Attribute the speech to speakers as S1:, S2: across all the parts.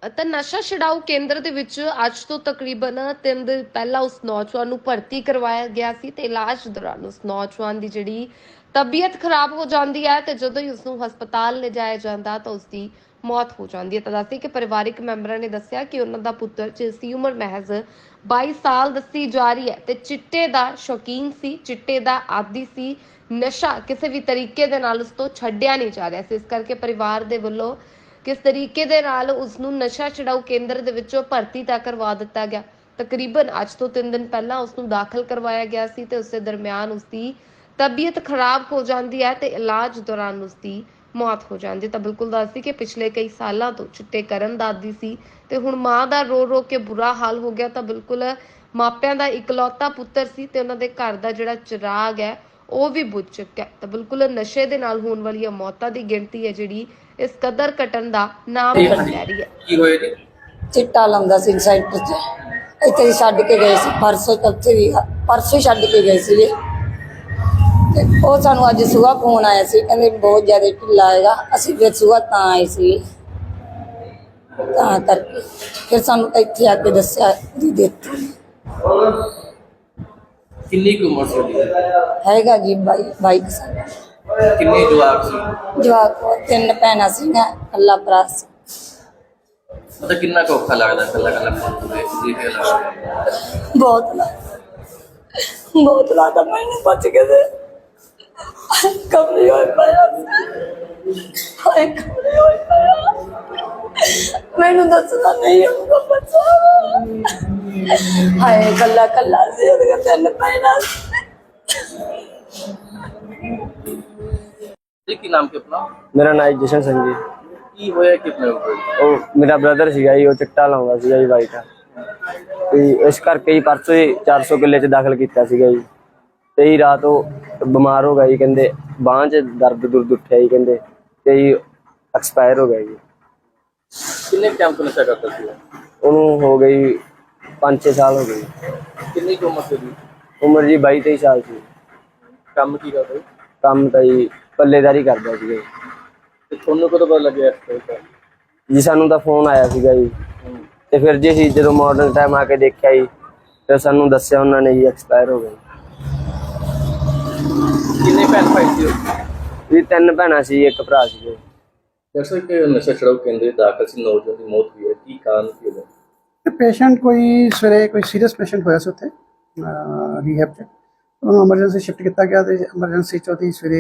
S1: ਤਾਂ ਨਸ਼ਾ ਛਡਾਊ ਕੇਂਦਰ ਦੇ ਵਿੱਚ ਅੱਜ ਤੋਂ ਤਕਰੀਬਨ 3 ਦਿਨ ਪਹਿਲਾਂ ਉਸ ਨੌਜਵਾਨ ਨੂੰ ਭਰਤੀ ਕਰਵਾਇਆ ਗਿਆ ਸੀ ਤੇ ਇਲਾਜ ਦੌਰਾਨ ਉਸ ਨੌਜਵਾਨ ਦੀ ਜਿਹੜੀ ਤਬੀਅਤ ਖਰਾਬ ਹੋ ਜਾਂਦੀ ਹੈ ਤੇ ਜਦੋਂ ਹੀ ਉਸ ਨੂੰ ਹਸਪਤਾਲ ਲਿਜਾਇਆ ਜਾਂਦਾ ਤਾਂ ਉਸ ਦੀ ਮੌਤ ਹੋ ਜਾਂਦੀ ਹੈ। ਤਾਂ ਦੱਸੀ ਕਿ ਪਰਿਵਾਰਿਕ ਮੈਂਬਰਾਂ ਨੇ ਦੱਸਿਆ ਕਿ ਉਹਨਾਂ ਦਾ ਪੁੱਤਰ ਜਿਸ ਦੀ ਉਮਰ ਮਹਿਜ਼ 22 ਸਾਲ ਦੱਸੀ ਜਾ ਰਹੀ ਹੈ ਤੇ ਚਿੱਟੇ ਦਾ ਸ਼ੌਕੀਨ ਸੀ, ਚਿੱਟੇ ਦਾ ਆਦੀ ਸੀ, ਨਸ਼ਾ ਕਿਸੇ ਵੀ ਤਰੀਕੇ ਦੇ ਨਾਲ ਉਸ ਤੋਂ ਛੱਡਿਆ ਨਹੀਂ ਜਾ ਰਿਹਾ ਸੀ। ਇਸ ਕਰਕੇ ਪਰਿਵਾਰ ਦੇ ਵੱਲੋਂ ਕਿਸ ਤਰੀਕੇ ਦੇ ਨਾਲ ਉਸ ਨੂੰ ਨਸ਼ਾ ਛਡਾਊ ਕੇਂਦਰ ਦੇ ਵਿੱਚੋਂ ਭਰਤੀ ਤਾਂ ਕਰਵਾ ਦਿੱਤਾ ਗਿਆ। ਤਕਰੀਬਨ ਅੱਜ ਤੋਂ 3 ਦਿਨ ਪਹਿਲਾਂ ਉਸ ਨੂੰ ਦਾਖਲ ਕਰਵਾਇਆ ਗਿਆ ਸੀ ਤੇ ਉਸੇ ਦਰਮਿਆਨ ਉਸ ਦੀ ਤਬੀਅਤ ਖਰਾਬ ਹੋ ਜਾਂਦੀ ਹੈ ਤੇ ਇਲਾਜ ਦੌਰਾਨ ਉਸ ਦੀ ਮੌਤ ਹੋ ਜਾਂਦੀ। ਤਾਂ ਬਿਲਕੁਲ ਦੱਸਦੀ ਕਿ ਪਿਛਲੇ ਕਈ ਸਾਲਾਂ ਤੋਂ ਚਿੱਟੇ ਕਰਨ ਦਾ ਆਦੀ ਸੀ ਤੇ ਹੁਣ ਮਾਂ ਦਾ ਰੋ ਰੋ ਕੇ ਬੁਰਾ ਹਾਲ ਹੋ ਗਿਆ। ਤਾਂ ਬਿਲਕੁਲ ਮਾਪਿਆਂ ਦਾ ਇਕਲੌਤਾ ਪੁੱਤਰ ਸੀ ਤੇ ਉਹਨਾਂ ਦੇ ਘਰ ਦਾ ਜਿਹੜਾ ਚਿਰਾਗ ਹੈ ਉਹ ਵੀ ਬੁਝ ਚੁੱਕਿਆ। ਤਾਂ ਬਿਲਕੁਲ ਨਸ਼ੇ ਦੇ ਨਾਲ ਹੋਣ ਵਾਲੀਆਂ ਮੌਤਾਂ ਦੀ ਗਿਣਤੀ ਹੈ ਜਿਹੜੀ ਇਸ ਕਦਰ ਘਟਣ ਦਾ ਨਾਮ ਨਹੀਂ ਲੈ ਰਹੀ ਹੈ।
S2: ਕੀ ਹੋਇਆ ਜੀ?
S3: ਚਿੱਟਾ ਲਾਉਂਦਾ ਸੀ ਸੈਂਟਰ 'ਚ। ਇੱਥੇ ਹੀ ਛੱਡ ਕੇ ਗਏ ਸੀ ਪਰਸੋਂ ਛੱਡ ਕੇ ਗਏ ਸੀ। ਤੇ ਉਹ ਸਾਨੂੰ ਅੱਜ ਸੁਬਾਹ ਫੋਨ ਆਇਆ ਸੀ, ਕਹਿੰਦੇ ਬਹੁਤ ਜ਼ਿਆਦਾ ਢਿੱਲਾ ਹੈਗਾ। ਅਸੀਂ ਫਿਰ ਸੁਬਾਹ ਤਾਂ ਆਏ ਸੀ, ਤਾਂ ਕਰਕੇ ਫਿਰ ਸਾਨੂੰ ਇੱਥੇ ਆ ਕੇ ਦੱਸਿਆ ਜੀ ਦਿੱਤੀ
S2: ਕਿੰਨੀ ਕੁ ਉਮਰ ਸੀ ਉਹਦੀ?
S3: ਹੈਗਾ ਜੀ 22 ਸਾਲ।
S2: ਕਿੰਨੇ ਜਵਾਕ ਸੀ?
S3: ਜਵਾਕ 3 ਭੈਣਾਂ ਸੀਗੀਆਂ, ਇਕੱਲਾ ਭਰਾ ਸੀ।
S2: ਮਤਲਬ ਕਿੰਨਾ ਕੁ ਔਖਾ ਲੱਗਦਾ ਇਕੱਲਾ ਪੁੱਤ ਦੇ
S3: ਬਹੁਤ ਲੱਗਦਾ ਮੈਨੂੰ ਬਚ ਕੇ ਤੇ ਕਮਲੀ ਹੋਈ ਪਿਆ ਹਾਏ ਕਮਲੀ ਹੋਈ ਪਿਆ। ਮੈਨੂੰ ਦੱਸਦਾ ਨਹੀਂ ਉਹਦਾ ਬੱਚਾ ਹਾਏ ਕੱਲਾ ਸੀ, ਉਹਦੇ 3 ਭੈਣਾਂ
S2: ਜੀ। ਕੀ ਨਾਮ ਕਿ ਆਪਣਾ?
S4: ਮੇਰਾ ਨਾਮ ਜਸ਼ਨ ਸਿੰਘ ਜੀ।
S2: ਕੀ ਹੋਇਆ ਕਿਤਨੇ
S4: ਉਹ ਮੇਰਾ ਬ੍ਰਦਰ ਸੀਗਾ ਜੀ, ਉਹ ਚਿੱਟਾ ਲਾਉਂਦਾ ਸੀਗਾ ਜੀ ਵਾਈਟ। ਤੇ ਇਸ ਕਰਕੇ ਹੀ ਪਰਸੋਂ ਹੀ 400 ਕਿੱਲੇ 'ਚ ਦਾਖਲ ਕੀਤਾ ਸੀਗਾ ਜੀ। ਤੇ ਹੀ ਰਾਤ ਉਹ ਬਿਮਾਰ ਹੋ ਗਿਆ ਜੀ, ਕਹਿੰਦੇ ਬਾਂਹ 'ਚ ਦਰਦ ਉੱਠਿਆ ਜੀ, ਕਹਿੰਦੇ ਤੇ ਜੀ ਐਕਸਪਾਇਰ ਹੋ ਗਿਆ ਜੀ।
S2: ਕਿੰਨੇ ਟਾਈਮ ਤੋਂ ਨਸ਼ਾ ਕਰਦਾ ਸੀ?
S4: ਉਹਨੂੰ ਹੋ ਗਈ 5-6 ਸਾਲ ਹੋ ਗਏ।
S2: ਕਿੰਨੀ ਕੁ ਉਮਰ ਸੀ ਉਹਦੀ?
S4: ਉਮਰ ਜੀ 22-23 ਸਾਲ ਸੀ।
S2: ਕੰਮ ਕੀ ਕਰਦਾ?
S4: ਕੰਮ ਤਾਂ ਜੀ ਪੱਲੇਦਾਰੀ ਕਰਦਾ ਸੀਗਾ ਜੀ।
S2: ਤੇ ਤੁਹਾਨੂੰ ਕਦੋਂ ਪਤਾ ਲੱਗਿਆ
S4: ਜੀ ਸਾਨੂੰ ਤਾਂ ਫੋਨ ਆਇਆ ਸੀਗਾ ਜੀ। ਤੇ ਫਿਰ ਜੀ ਅਸੀਂ ਜਦੋਂ ਮਾਡਰਨ ਟਾਈਮ ਆ ਕੇ ਦੇਖਿਆ ਜੀ, ਫਿਰ ਸਾਨੂੰ ਦੱਸਿਆ ਉਹਨਾਂ ਨੇ ਜੀ ਐਕਸਪਾਇਰ ਹੋ ਗਏ।
S2: ਕਿੰਨੇ ਭੈਣ ਭਾਈ ਸੀ?
S4: ਜੀ 3 ਭੈਣਾਂ ਸੀ, 1 ਭਰਾ ਸੀਗੇ।
S2: ਜੈਸੇ ਕਿ ਨਸ਼ਾ ਛਡਾਊ ਕੇਂਦਰ ਦਾਖਲ ਸੀ, ਨੌਜਵਾਨ ਦੀ ਮੌਤ ਹੋਈ ਹੈ, ਕੀ ਕਾਰਨ ਕੀ ਹੋਇਆ?
S5: ਪੇਸ਼ੈਂਟ ਕੋਈ ਸਵੇਰੇ ਕੋਈ ਸੀਰੀਅਸ ਪੇਸ਼ੈਂਟ ਹੋਇਆ ਸੀ ਉੱਥੇ ਰੀਹੈਬ 'ਚ, ਉਹਨੂੰ ਐਮਰਜੈਂਸੀ ਸ਼ਿਫਟ ਕੀਤਾ ਗਿਆ ਤੇ ਐਮਰਜੈਂਸੀ 'ਚ ਉਹਦੀ ਸਵੇਰੇ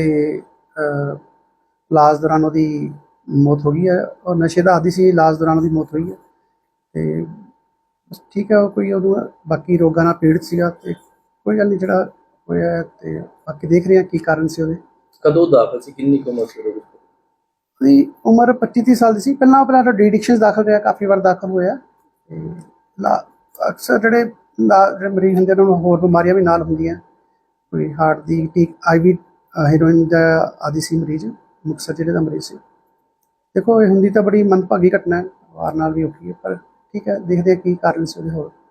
S5: ਇਲਾਜ ਦੌਰਾਨ ਉਹਦੀ ਮੌਤ ਹੋ ਗਈ ਹੈ। ਔਰ ਨਸ਼ੇ ਦਾ ਆਦੀ ਸੀ, ਇਲਾਜ ਦੌਰਾਨ ਉਹਦੀ ਮੌਤ ਹੋਈ ਹੈ। ਤੇ ਬਸ ਠੀਕ ਹੈ, ਉਹ ਕੋਈ ਉਹਨੂੰ ਬਾਕੀ ਰੋਗਾਂ ਨਾਲ ਪੀੜਤ ਸੀਗਾ ਤੇ ਕੋਈ ਗੱਲ ਨਹੀਂ ਜਿਹੜਾ ਹੋਇਆ। ਤੇ ਬਾਕੀ ਦੇਖ ਰਹੇ ਹਾਂ ਕੀ ਕਾਰਨ ਸੀ ਉਹਦੇ।
S2: ਕਦੋਂ ਦਾਖਲ ਸੀ, ਕਿੰਨੀ ਕੁ ਉਮਰ ਸੀ ਉਹਦੀ?
S5: ਉਹਦੀ ਉਮਰ 25-30 ਸਾਲ ਦੀ ਸੀ। ਪਹਿਲਾਂ ਡੀ ਐਡਿਕਸ਼ਨ ਦਾਖਲ ਰਿਹਾ, ਕਾਫੀ ਵਾਰ ਦਾਖਲ ਹੋਇਆ। ਤੇ ਅਕਸਰ ਜਿਹੜੇ ਮਰੀਜ਼ ਹੁੰਦੇ ਉਹਨਾਂ ਨੂੰ ਹੋਰ ਬਿਮਾਰੀਆਂ ਵੀ ਨਾਲ ਹੁੰਦੀਆਂ, ਕੋਈ ਹਾਰਟ ਦੀ IV ਹੈਰੋਇਨ ਦਾ ਆਦੀ ਸੀ ਮਰੀਜ਼, ਮੁਕਤਸਰ ਜ਼ਿਲ੍ਹੇ ਦਾ ਮਰੀਜ਼ ਸੀ। ਦੇਖੋ ਇਹ ਹੁੰਦੀ ਤਾਂ ਬੜੀ ਮੰਦਭਾਗੀ ਘਟਨਾ ਹੈ, ਵਾਰ ਨਾਲ ਵੀ ਔਖੀ ਹੈ, ਪਰ ਠੀਕ ਹੈ, ਦੇਖਦੇ ਹਾਂ ਕੀ ਕਾਰਨ ਸੀ ਉਹਦੇ ਹੋਰ।